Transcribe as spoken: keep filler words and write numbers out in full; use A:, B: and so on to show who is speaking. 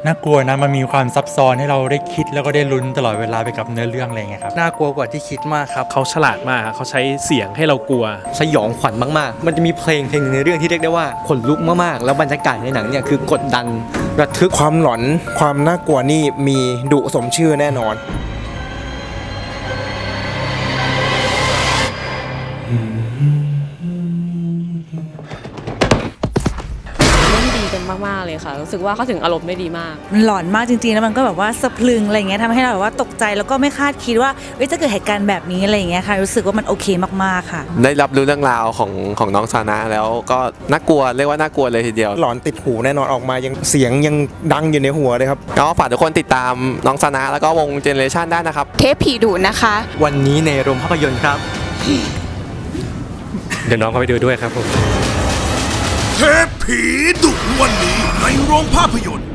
A: น่ากลัวนะมันมีความซับซ้อนให้เราได้คิดแล้วก็ได้ลุ้นตลอดเวลาไปกับเนื้อเรื่องอะไรเงี้ยครับน่ากลัวกว่าที่คิดมากครับ
B: เขาฉลาดมากเขาใช้เสียงให้เรากลัว
C: สยองขวัญมากๆมันจะมีเพลงเพลงในเรื่องที่เรียกได้ว่าขนลุกมากๆแล้วบรรยากาศในหนังเนี่ยคือกดดันระทึก
D: ความหลอนความน่ากลัวนี่มีดุสมชื่อแน่นอน
E: มากๆเลยค่ะรู้สึกว่าเขาถึงอารมณ์ได้ดีมาก
F: มันหลอนมากจริงๆแล้วมันก็แบบว่าสะพรึงอะไรเงี้ยทำให้เราแบบว่าตกใจแล้วก็ไม่คาดคิดว่าเฮ้ยจะเกิดเหตุการณ์แบบนี้อะไรเงี้ยค่ะรู้สึกว่ามันโอเคมากๆค่ะ
G: ได้รับรู้เรื่องราวของของน้องซานะแล้วก็น่ากลัวเรียกว่าน่ากลัวเลยทีเดียว
D: หลอนติดหูแน่นอนออกมายังเสียงยังดังอยู่ในหัวเลยครับ
G: ก็ฝากทุกคนติดตามน้องซานะแล้วก็วงเจเนเรชันได้นะครับ
H: เทปผีดุนะคะ
C: วันนี้ในโรงภาพยนตร์ครับ
B: เดี๋ยวน้องเขาไปดูด้วยครับผม
I: เทปผีดุวันนี้ในโรงภาพยนตร์